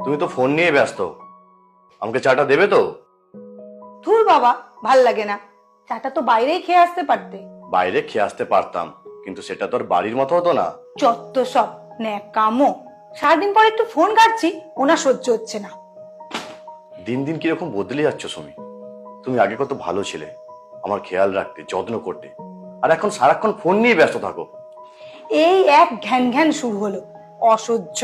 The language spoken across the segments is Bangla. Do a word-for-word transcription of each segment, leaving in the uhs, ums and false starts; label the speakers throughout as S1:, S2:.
S1: তুমি তো ফোন নিয়ে ব্যস্ত, আমাকে চাটা দেবে তো?
S2: ধুর বাবা, ভাল লাগে না। চাটা তো বাইরেই খেয়ে আসতে পারতে।
S1: বাইরে খেয়ে আসতে পারতাম, কিন্তু সেটা তো আর বাড়ির মতো হতো না।
S2: যত সব ন্যাকামো। সারাদিন পর একটু ফোন ঘাটছি, ওনা সহ্য হচ্ছে না।
S1: দিন দিন কিরকম বদলে যাচ্ছ সুমি। তুমি আগে কত ভালো ছিলে, আমার খেয়াল রাখতে, যত্ন করতে, আর এখন সারাক্ষণ ফোন নিয়ে ব্যস্ত থাকো।
S2: এই এক ঘ্যান ঘ্যান শুরু হলো, অসহ্য।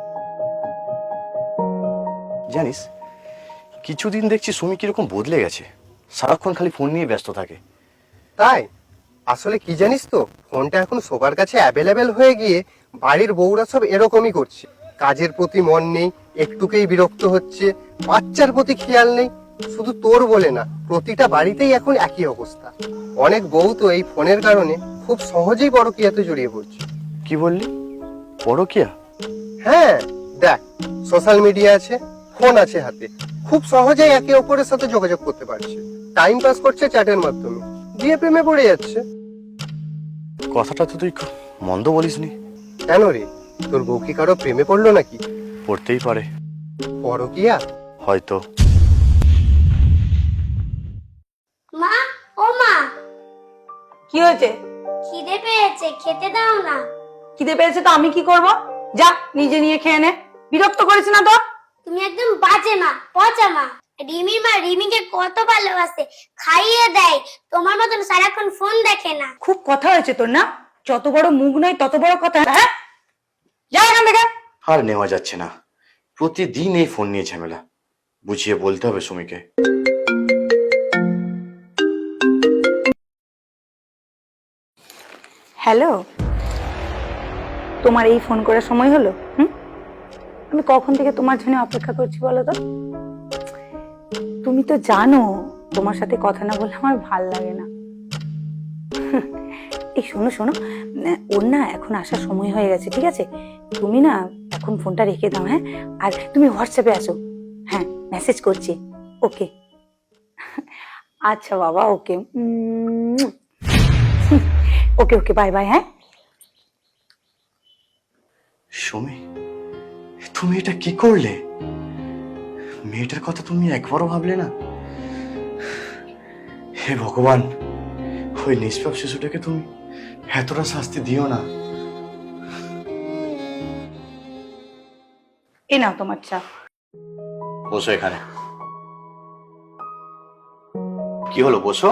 S1: জানিস, কিছুদিন দেখছি সুমি কিরকম বদলে গেছে, সারাক্ষণ খালি ফোন নিয়ে ব্যস্ত থাকে।
S3: তাই আসলে কি জানিস তো, ফোনটা এখন সবার কাছে অ্যাভেলেবেল হয়ে গিয়ে বাড়ির বউরা সব এরকমই করছে। কাজের প্রতি মন নেই, একটুকেই বিরক্ত হচ্ছে, বাচ্চার প্রতি খেয়াল নেই। শুধু তোর বলে না, প্রতিটা বাড়িতেই এখন একই অবস্থা। অনেক বউ তো এই ফোনের কারণে খুব সহজেই পরকীয়াতে জড়িয়ে পড়ছে।
S1: কি বললি? পরকীয়া?
S3: হ্যাঁ, দেখ, সোশ্যাল মিডিয়া আছে, ফোন আছে হাতে, খুব সহজেই একে অপরের সাথে যোগাযোগ করতে পারছে। টাইম পাস করছে চ্যাটের মাধ্যমে, দিয়ে প্রেমে পড়ে যাচ্ছে।
S1: কথাটা তো তুই মন্দ বলিসনি।
S3: কেন রে, তোর বউ কি কারো প্রেমে পড়লো নাকি?
S1: পড়তেই পারে।
S3: পরকীয়া?
S1: হয়তো।
S4: মা, ও মা,
S2: কি হয়েছে?
S4: খিদে পেয়েছে, খেতে দাও না।
S2: খিদে পেয়েছে তো আমি কি করব? যা নিজে নিয়ে খেয়ে নে। বিরক্ত করিস না তো।
S4: তুমি একদম বাজে মা, পচা মা। রিমির মা রিমিকে কত ভালোবাসে, খাইয়ে দেয়, তোমার মতন সারাক্ষণ ফোন দেখে না।
S2: খুব কথা হয়েছে তোর না? যত বড় মুখ নয় তত বড় কথা। হ্যাঁ, যা এখান থেকে।
S1: আর নেওয়া যাচ্ছে না, প্রতিদিন এই ফোন নিয়ে ঝামেলা। বুঝিয়ে বলতে হবে সুমিকে।
S2: হ্যালো, তোমার এই ফোন করার সময় হলো? হুম, আমি কখন থেকে তোমার জন্য অপেক্ষা করছি বলো তো। তুমি তো জানো তোমার সাথে কথা না বললে আমার ভাল লাগে না। এই শোনো শোনো, ওর না এখন আসার সময় হয়ে গেছে, ঠিক আছে? তুমি না এখন ফোনটা রেখে দাও, হ্যাঁ? আর তুমি হোয়াটসঅ্যাপে আসো। হ্যাঁ, মেসেজ করছি। ওকে, আচ্ছা বাবা, ওকে, ওকে ওকে, বাই বাই। হ্যাঁ
S1: সুমি, তুমি এটা কি করলে? মেয়েটার কথা তুমি একবারও ভাবলে না? হে ভগবান, ওই নিষ্পাপ শিশুটাকে তুমি এতটা শাস্তি দিও না।
S2: এ নাও তোমার চা।
S1: বসো এখানে। কি হলো, বসো।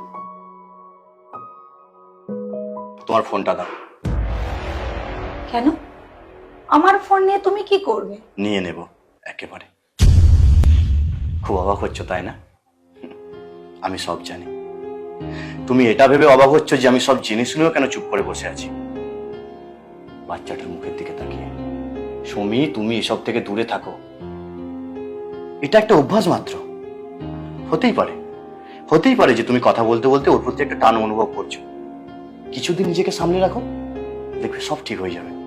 S1: তোমার ফোনটা দাও।
S2: কেন? আমার ফোন নিয়ে তুমি কি করবে?
S1: নিয়ে নেব একেবারে। খুব অবাক হচ্ছ তাই না? আমি সব জানি। তুমি এটা ভেবে অবাক হচ্ছ যে আমি সব জেনে শুনেও কেন চুপ করে বসে আছি। বাচ্চাটার মুখের দিকে তাকিয়ে। সুমি, তুমি এসব থেকে দূরে থাকো। এটা একটা অভ্যাস মাত্র। হতেই পারে হতেই পারে যে তুমি কথা বলতে বলতে ওর প্রতি একটা টান অনুভব করছো। কিছুদিন নিজেকে সামলে রাখো, দেখবে সব ঠিক হয়ে যাবে।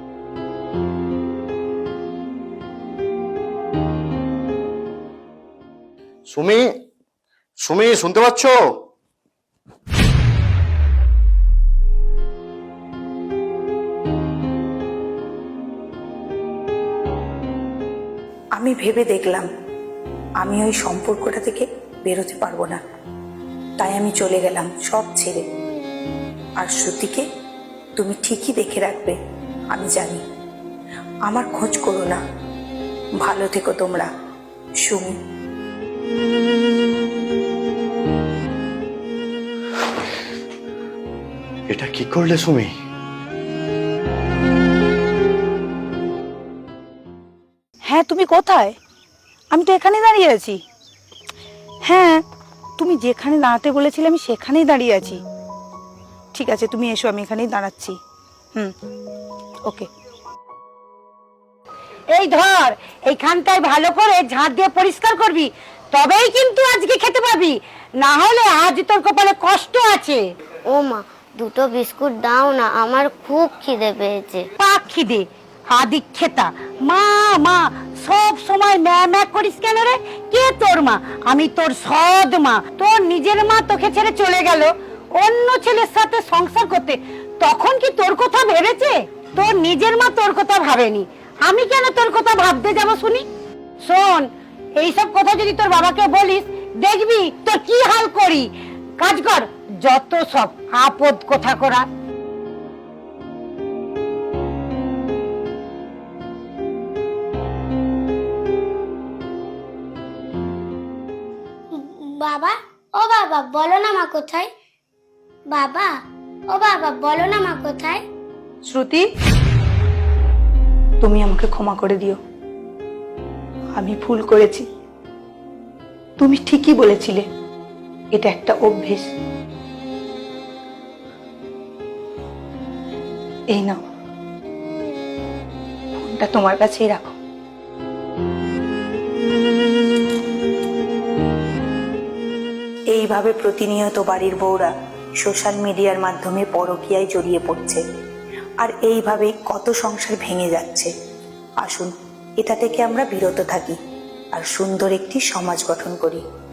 S1: সুমি, সুমি, শুনতে পাচ্ছ?
S2: আমি ভেবে দেখলাম আমি ওই সম্পর্কটা থেকে বেরোতে পারবো না, তাই আমি চলে গেলাম সব ছেড়ে। আর শ্রুতিকে তুমি ঠিকই দেখে রাখবে, আমি জানি। আমার খোঁজ করো না। ভালো থেকো তোমরা। সুমি।
S1: এটা কি করলে সুমি?
S2: হ্যাঁ, তুমি কোথায়? আমি তো এখানেই দাঁড়িয়ে আছি। হ্যাঁ, তুমি যেখানে দাঁড়াতে বলেছিলে আমি সেখানেই দাঁড়িয়ে আছি। ঠিক আছে, তুমি এসো, আমি এখানেই দাঁড়াচ্ছি। হুম, ওকে।
S5: এই ধর, এইখানটায় ভালো করে ঝাঁট দিয়ে পরিষ্কার করবি, তবেই কিন্তু আজকে খেতে পাবি, না হলে আজ তোর কপালে কষ্ট আছে।
S4: ও মা, দুটো বিস্কুট দাও না, আমার খুব খিদে পেয়েছে।
S5: পাক খিদে, আদি খেতা। মা মা সব সময় ম্যা ম্যা করিস কেন রে? কে তোর মা? আমি তোর সৎ মা। তোর নিজের মা তোকে ছেড়ে চলে গেল অন্য ছেলের সাথে সংসার করতে, তখন কি তোর কথা ভেবেছে? তোর নিজের মা তোর কথা ভাবেনি, আমি কেন তোর কথা ভাবতে যাব শুনি? শোন, এইসব কথা যদি তোর বাবাকে বলিস, দেখবি তোর কি হাল করি। কাজ কর, যত সব আপদ কথা করা।
S4: বাবা, ও বাবা, বলো না মা কোথায়? বাবা, ও বাবা, বলো না মা কোথায়?
S2: শ্রুতি, তুমি আমাকে ক্ষমা করে দিও, আমি ভুল করেছি। তুমি ঠিকই বলেছিলে, এটা একটা অভ্যেস। এই নাও, ফোনটা তোমার কাছেই রাখো। এইভাবে প্রতিনিয়ত বাড়ির বউরা সোশ্যাল মিডিয়ার মাধ্যমে পরকীয়ায় জড়িয়ে পড়ছে, আর এইভাবেই কত সংসার ভেঙে যাচ্ছে। আসুন, এটা থেকে আমরা বিরত থাকি আর সুন্দর একটি সমাজ গঠন করি।